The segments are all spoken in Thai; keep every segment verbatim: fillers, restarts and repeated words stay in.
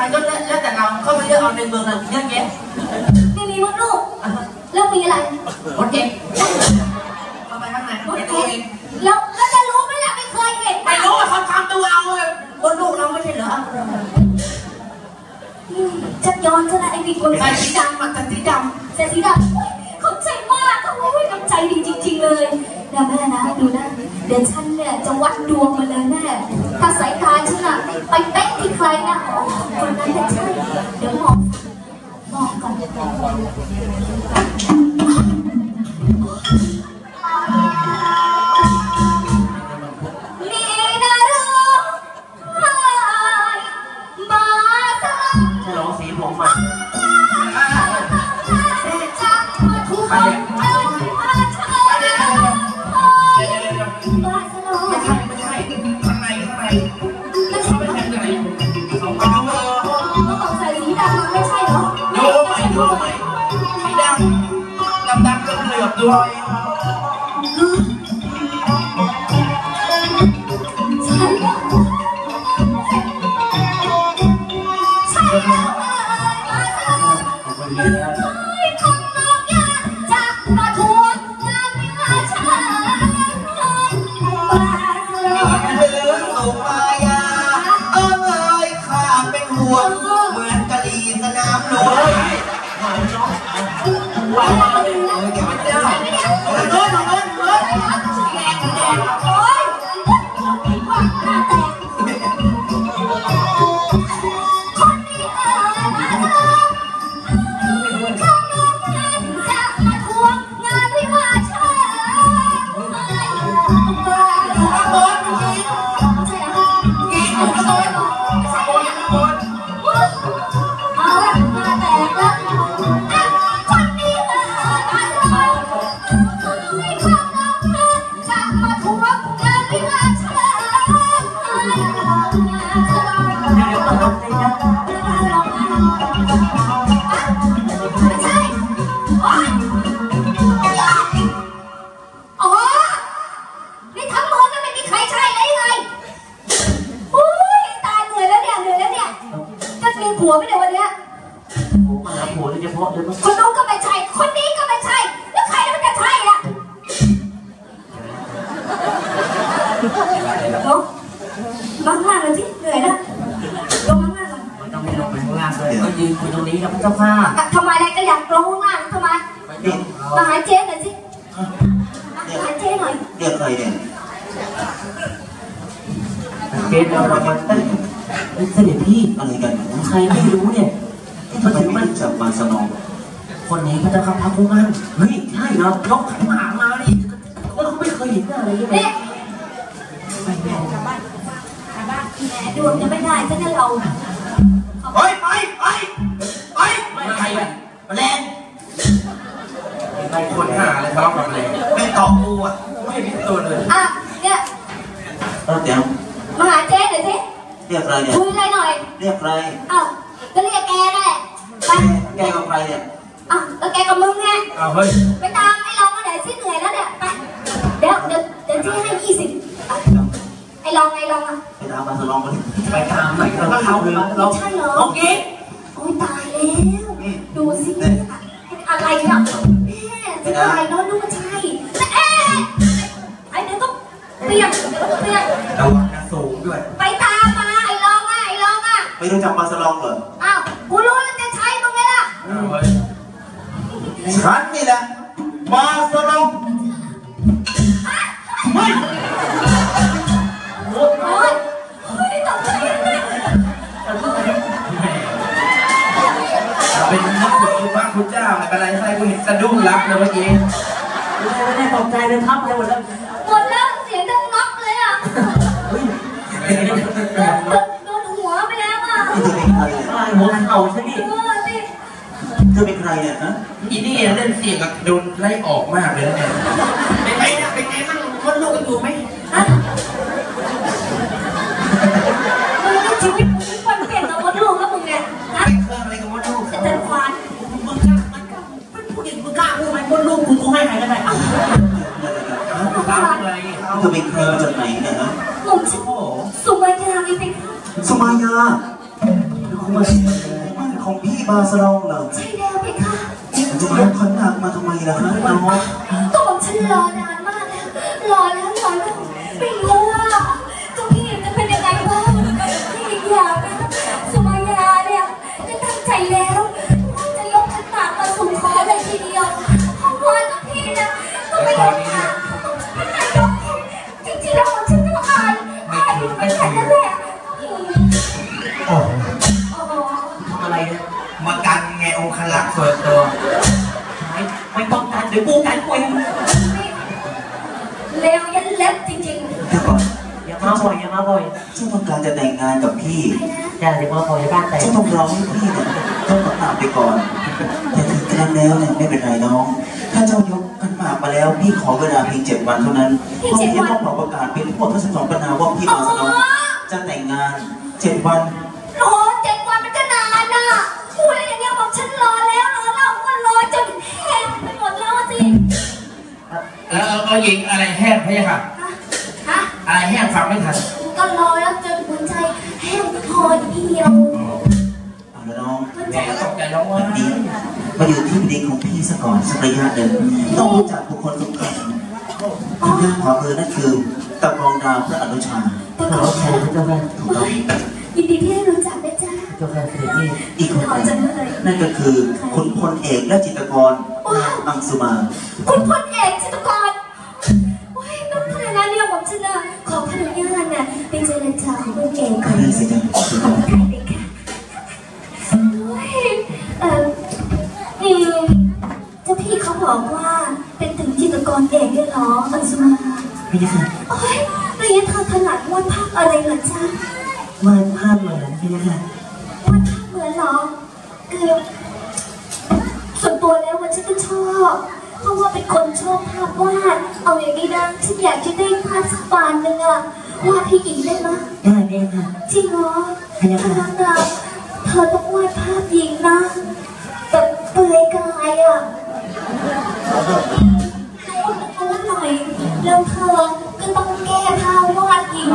รก็แล้วแต่เราเข้าไปเลือกเอาในเมืองเราเยอะแยะไม่มีมดลูกแล้วมีอะไรมดเอ็กเข้าไปข้างในมดเอ็กแล้วก็จะรู้ไหมล่ะไม่เคยเห็นไม่รู้ว่าเขาทำตัวเอาเลยมดลูกเราไม่ใช่เหรอจักย้อนซะนะไอ้พี่คนใส่สีดำมาแต่สีดำใส่สีดำเขาใจมากเขาไม่กำใจดีจริงๆเลยเดี๋ยวแม่นะดูนะเดี๋ยวฉันเนี่ยจะวัดดวงมาเลยแม่ถ้าสายตาฉันอะไปเป๊ะที่ใครนะคนนั้นจะใช่เดี๋ยวมองมองก่อนด้วยใช่ใช่คนนอกยาจะมาทวงงานไม่มาช้าเรื่องสุมายาเอ้ยข้าเป็นห่วงเหมือนกะลีสนามหลวงว้าวเดี๋ยวไม่ได้เดินเดินเดินเดินแดงแดงโอ้ยว่าหน้าแตกคนนี้เอ๋ยมาเถอะข้างนอกงานจะมาทวงงานไม่มาช้าบ้าบอลกินใช่ไหมกินบอลบอลบอลเอาละมาแตกแล้วผัวไม่ได้วันเนี้ยผัวมาผัวเลยเฉพาะเลยมั้งคนนู้นก็ไม่ใช่คนนี้ก็ไม่ใช่แล้วใครมันจะใช่ล่ะลงมาข้างล่างเลยสิเหนื่อยนะลงมาข้างล่างเลยต้องไม่ลงไปข้างล่างเลยก็ยืนคุยตรงนี้แล้วเจ้าข้าทำไมอะไรก็อยากลงข้างล่างทำไมมาหาเจ๊หน่อยสิมาหาเจ๊หน่อยเรียกใครเนี่ยเจ๊เราเรามาตั้งเสด็จพี่อะไรกันใครไม่รู้เนี่ยมาถึงมันจับมาสนองคนไหนพระเจ้าข้าพระผู้มั่นเฮ้ยใช่เรายกขันหมากมาดิแล้วเขาไม่เคยเห็นอะไรเลยไปแม่กลับบ้านกลับบ้านแม่ดวงจะไม่ได้ฉันจะเราไปไปไปไปไม่ใครอ่ะแรงใครคนหาอะไรทะเลาะกับแรงไม่ตอบกูอ่ะไม่มีตัวเลยอ่ะเนี่ยเออเดี๋ยวมาหาเจ๊หน่อยสิเรียกใครเนี่ยคุยอะไรหน่อยเรียกใครอ้าวก็เรียกแกนั่นแหละไปแกกับใครเนี่ยอ้าวแล้วแกกับมึงไงอ้าวเฮ้ยไปตามไอ้ลองมาไหนสิเหนื่อยแล้วเนี่ยไปเดี๋ยวเดี๋ยวเดี๋ยวที่ให้ยี่สิบไอ้ลองไอ้ลองอ่ะไปตามมาสลองกันไปตามหน่อยเราเขาเลยเราใช่เหรอโอเคโอ้ยตายแล้วดูสิอะไรเนี่ยแม่จะตายเนาะดูมันใช่แต่เอ๊ะไอ้เดี๋ยวต้องเปลี่ยนเดี๋ยวต้องเปลี่ยนระวังนะสูงด้วยไปตามมาไอ้ลองอ่ะไอ้ลองอ่ะไม่รู้จักมาสลองเหรออ้าวกูรู้แล้วจะใช้มึงไงล่ะฉันนี่แหละมาสลองเฮ้ยโอ้ยเฮ้ยตกใจเลยเป็นนักบุญพระคุณเจ้าอะไรใส่กูเห็นสะดุ้งรับเลยเมื่อกี้ไม่ได้ตกใจเลยทับเลยหมดแล้วหมดแล้วเสียงดังน็อกเลยอ่ะโดนหัวไปแล้วอ่ะหัวเข่าใช่ไหมเธอเป็นใครเนี่ยฮะอีนี่เล่นเสียงกับโดนไล่ออกมากเลยนะเนี่ยเป็นไงเป็นไงมันคนลูกกันอยู่ไหมฮะมึงชีวิตมึงคนเปลี่ยนกับมดลูกแล้วมึงไงฮะเครื่องอะไรกับมดลูกแต่ควานมึงกล้ามันกล้าเป็นผู้หญิงมึงกล้าพูดไหมมดลูกกูคงให้ใครก็ได้อะอะไรเธอเป็นใครมาจากไหนเนี่ยฮะผมชื่อสุมายาไงเป็นสุมายาคุณมามันของพี่บาสลองเหรอใช่แล้วเพคะจะมาขันหนักมาทำไมล่ะครับน้องก็บอกฉันรอนานมากแล้วรอแล้วรอแล้วไม่รู้ว่าเจ้าพี่จะเป็นยังไงบ้างที่อีกอย่างนะสุมายาเนี่ยจะตั้งใจแล้วว่าจะยกขันหมากมาสู่ขอเลยทีเดียวเพราะว่าเจ้าพี่นะก็ไม่ยอมค่ะไม่ยอมจริงๆแล้วฉันก็อายอายอยู่ไม่แค่นั้นแหละโอ้โอ้โหทำอะไรเนี่ยมากันไงองค์ขลักส่วนตัวไม่ไม่ต้องการเดี๋ยวกูกันกูเองเลวยันเล็บจริงเดี๋ยวก่อนอย่ามาบ่อยอย่ามาบ่อยเจ้าต้องการจะแต่งงานกับพี่ๆใช่นะอย่าอย่ามาบ่อยอย่าบ้านแตกเจ้าต้องรอให้พี่เนี่ยต้องขันหมากไปก่อนแต่ถึงกระนั้นแล้วเนี่ยไม่เป็นไรน้อง ถ้าเจ้ายกขันหมากมาแล้วพี่ขอเวลาเพียงเจ็ดวันเท่านั้นเพราะพี่จะต้องบอกประกาศเป็นทั้งหมดทั้งสิบสองปัญหาว่าพี่บาสลองจะแต่งงานเจ็ดวันโอ้เจ็ดวันมันก็นานน่ะพูดอะไรอย่างเงี้ยบอกฉันรอแล้วรอเล่าก็รอจนแห้งไปหมดแล้วสิเออเอาหญิงอะไรแห้งพี่ค่ะฮะอะไรแห้งฟังไม่ทันก็รอแล้วจนหัวใจแห้งพอเดียวเอาละน้องหัวแหใจมตกใจน้องว่าดีมาอยู่ที่ดีของพี่ซะก่อนสักระยะหนึ่งต้องรู้จักบุคคลสำคัญทางด้านขวามือนั่นคือตะกองดาวพระอนุชาแต่ขก่ออนแทนพระเจ้าค่ะถูกต้องยินดีที่ได้รู้จักนะจ๊ะเจ้าค่ะเสด็จพี่อีกคนหนึ่งนั่นก็คือคุณพลเอกและจิตรกรอังสุมาคุณพลเอกจิตรกรโอ้ยน้องทนายนะเนี่ยบอกฉันนะขอพระอนุญาตนะไปเจรจาของคุณเอกก่อนนี่สิจ๊ะขอบคุณค่ะเด็กค่ะโอ้ยเอ่ออืมเจ้าพี่เขาบอกว่าเป็นถึงจิตรกรเอกด้วยเหรออังสุมาพี่ค่ะโอ้ยเรียนทางถนัดวาดภาพอะไรเหรอจ๊ะวาดภาพเหมือนพี่ค่ะวาดภาพเหมือนเหรอคือส่วนตัวแล้วมันฉันก็ชอบเพราะว่าเป็นคนชอบภาพวาดเอาอย่างนี้นะฉันอยากจะได้ภาพสักปานหนึ่งอะวาดให้หญิงได้ไหมได้พี่ค่ะจริงเหรอถ้างั้นอะเธอต้องวาดภาพหญิงนะแบบเปลือยกายอะรู้รู้หน่อยแล้วเธอก็ต้องแก้ผ้าวาดหญิง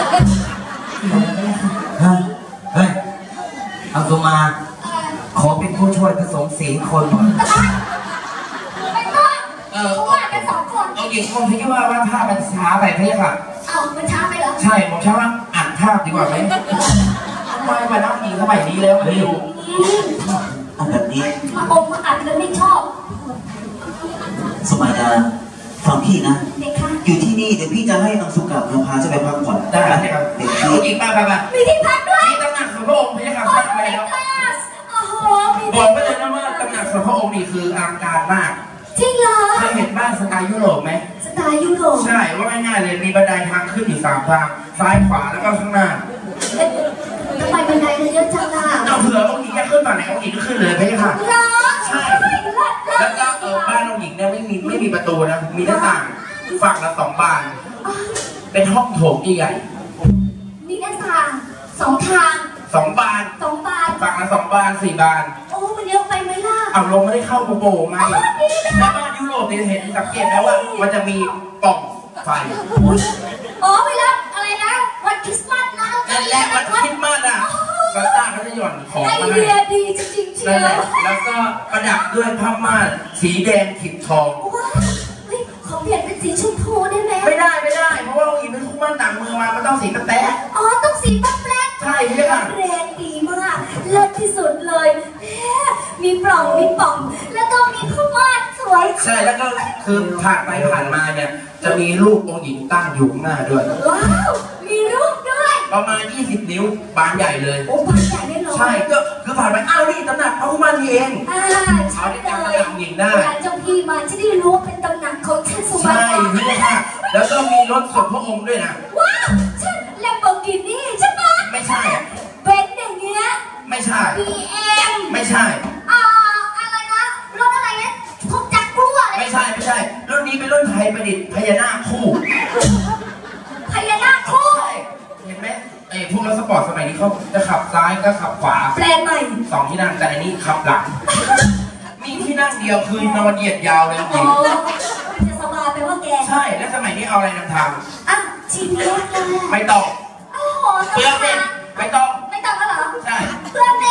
เฮ้ยเฮ้ยอังสุมา ขอเป็นผู้ช่วยผสมสีคนหน่อยไม่ต้องเออเขาวาดกันสองคนเอาหญิงคนที่ว่าว่าภาพมันช้าไปพี่ค่ะเอามันช้าไปเหรอใช่ผมใช่ว่าอ่านภาพดีกว่าไหมไม่มานับหญิงสมัยนี้แล้วไม่อยู่เอาแบบนี้มาอมมาอัดแล้วไม่ชอบสมัยดาฟังพี่นะเด็กค่ะอยู่ที่นี่เดี๋ยวพี่จะให้อังสุกับนพาจะไปพักผ่อนได้ไหมครับเด็กเอาพี่หญิงมาไปไปมีที่พักด้วยนี่ตำหนักของพระองค์พี่ค่ะโอ้สร้างยไปแล้วคลาสโอ้โหมีบอกที่ไว้เลยนะว่าตำหนักของพระองค์นี่คืออลังการมากจริงเหรอเคยเห็นบ้านสไตล์ยุโรปไหมสไตล์ยุโรปใช่ว่าง่ายๆเลยมีบันไดทางขึ้นอยู่สามทางซ้ายขวาแล้วก็ข้างหน้าเอ๊ะทำไมบันไดมันเยอะจังล่ะเอาเผื่อองค์หญิงจะขึ้นฝั่งไหนองค์หญิงก็ขึ้นเลยพี่ค่ะเหรอใช่เลิศเลิศแล้วก็เออบ้านองค์หญิงเนี่ยไม่มีไม่มีประตูนะมีหน้าต่างฝั่งละสองบานอ๋อเป็นห้องโถงใหญ่มีหน้าต่างสองทางๆสองบานสองบานฝั่งละสองบานสี่บานโอ้มันเยอะไปไหมล่ะเอาลงไม่ได้เข้าโปไงแล้วบ้านยุโรปเนี่ยเห็นสังเกตแล้วว่ามันจะมีปล่องไฟอุ๊ยอ๋อเวลาอะไรนะวันคริสต์มาสนะนั่นแหละวันคริสต์มาสอ่ะซานต้าเขาจะหย่อนของไอมาเดีให้ยดีจริงๆเชีนั่ยนแหวละแล้วก็ประดับด้วยผ้าม่านสีแดงขิดทองว้าวเฮ้ยขอเปลี่ยนเป็นสีชมพูได้ไหมไม่ได้ไม่ได้เพราะว่าองค์หญิงเป็นคู่มั่นต่างเมืองมามันต้องสีแป๊ะอ๋อต้องสีแป๊บๆใช่พี่ค่ะๆแรงดีมากเลิศที่สุดเลยแหมมีปล่องมีป่อง แล้วก็มีผ้าม่านสวยใช่แล้วก็คือผ่านไปผ่านมาเนี่ยจะมีรูปองค์หญิงตั้งอยู่ข้างหน้าด้วยว้าวมีรูปด้วยประมาณยี่สิบนิ้วบานใหญ่เลยโอ้บ้านใหญ่ได้เหรอใช่ก็คือผ่านไปอ้าวนี่ตำหนักพระคู่มั่นนี่เองอ่าใช่เอาเลได้ยจำตำหนักหญิงได้เวลาเจ้าพี่มาจะได้รู้ว่าเป็นตำหนักของท่านสุมาใช่พี่ค่ะ แล้วก็มีรถส่วนพระองค์ด้วยนะว้าวใช่แลมโบกินี่ใช่ไหมไม่ใช่อะเป็นอย่างเงี้ยไม่ใช่บี เอ็มไม่ใช่อ่าอะไรนะรถอะไรเนี่ยพวกจักรกลัวอะไรไม่ใช่ไม่ใช่ รุ่นนี้เป็นรุ่นไทยประดิษฐ์พญานาคคู่พญานาคคู่ใช่เห็นไหมไอ้พวกรถสปอร์ตสมัยนี้เขาจะขับซ้ายก็ขับขวาแปลนใหม่สองที่นั่งแต่อันนี้ขับหลัง มีที่นั่งเดียวคือนอนเหยียดยาวเลยจโอ้ริงจะสบายไปว่าแกใช่แล้วสมัยนี้เอาอะไรนำทางอ่ะชีวิตเลยไม่ต้องโอ้โหเปลืองเองไม่ต้องไม่ต้องแล้วเหรอใช่เปลืองเ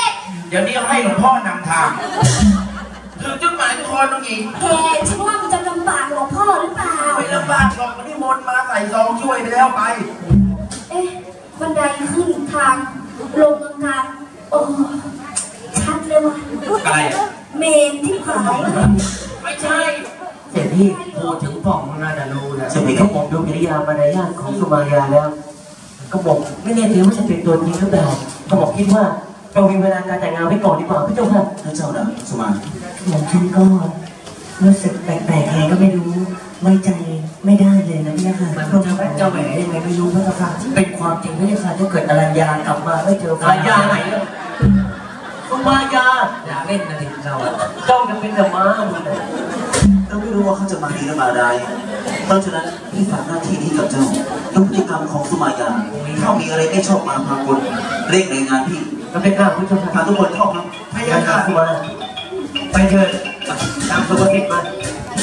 ดี๋ยวนี้ให้หลวงพ่อนำทางถึงจุดหมายทุกคนน้องหญิงแกฉันว่ามันจะลำบากหลวงพ่อหรือเปล่าไม่ลำบากหรอกมันนิมนต์มาใส่ซองช่วยไปแล้วไปเอ๊ะบันไดขึ้นทางลงกลางโอ้ชัดเลยว่ะอะไรเมนที่ผายไม่ใช่เสด็จพี่พูดถึงพ่องน่าจะรู้นะใช่ไหมคเขารับบอกดูกิริยามารยาทของสุมายาแล้ว ก็บอกไม่แน่ใจว่าจะเป็นตัวจริงหรือเปล่าก็บอกคิดว่าเรามีเวลาการแต่งงานไว้ก่อนดีกว่าพี่เจ้าค่ะพระเจ้าดาสุมาหม่อมฉันก็รู้สึกแปลกๆไงก็ไม่รู้ไว้ใจไม่ได้เลยนะพี่ค่ะมันจะเจ้าแหวนยังไงไม่รู้พี่ค่ะเป็นความจริงพี่ค่ะถ้าเกิดอรัญญากลับมาไม่เจออรัญญาไหนสุมายาอย่าเล่นนะดิเราเจ้าจะเป็นแต่ม้ามึงเลยเราไม่รู้ว่าเขาจะมาดีหรือมาร้ายเพราะฉะนั้นพี่ฝากหน้าที่นี้กับเจ้าดูพฤติกรรมของสุมายาถ้ามีอะไรไม่ชอบมาพากลเร่งรายงานพี่เราเป็นข้าพี่เจ้าค่ะพาทุกคนเข้าครับพยายามสุมาไปเถิดตามสุภกิจมา